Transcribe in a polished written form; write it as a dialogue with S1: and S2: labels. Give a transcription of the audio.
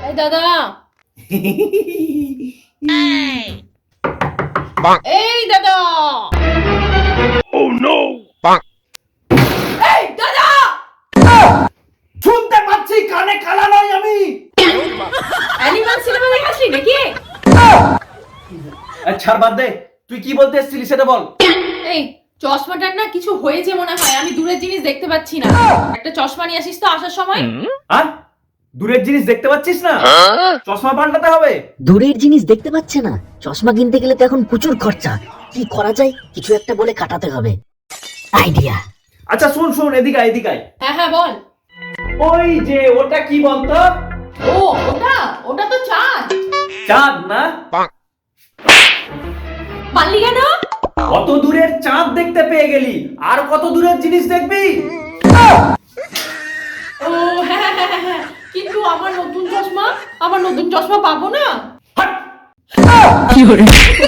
S1: এই দাদা, এই দাদা, এই দাদা,
S2: শুনতে পাচ্ছি, কানে কালা নই আমি।
S1: অ্যানিমাল সিনেমা দেখাচ্ছি নাকি?
S2: ছাড়, বাদ দে। তুই কি বলতে এসেছিলি সেটা বল।
S1: এই চশমাটার না কিছু হয়েছে মনে হয়, আমি দূরের জিনিস দেখতে পাচ্ছি না। একটা চশমা নিয়ে আসিস তো আসার সময়।
S2: আর দূরের জিনিস দেখতে পাচ্ছিস না? চশমা পাল্টাতে হবে।
S3: দূরের জিনিস দেখতে পাচ্ছে না, চশমা কিনতে গেলে তো এখন প্রচুর খরচা। কি করা যায়, কিছু একটা বলে কাটাতে হবে। আইডিয়া।
S2: আচ্ছা শুন শুন, এদিকে আয়, এদিকে আয়।
S1: হ্যাঁ হ্যাঁ বল।
S2: ওই যে ওটা কি বলতো?
S1: ও ওটা ওটা তো চাঁদ।
S2: চাঁদ না?
S1: পারলি কেন?
S2: কত দূরের চাঁদ দেখতে পেয়ে গেলি, আর কত দূরের জিনিস দেখবি?
S1: ও হ্যাঁ হ্যাঁ হ্যাঁ হ্যাঁ, কিন্তু আমার নতুন চশমা পাবো না।
S2: হাট!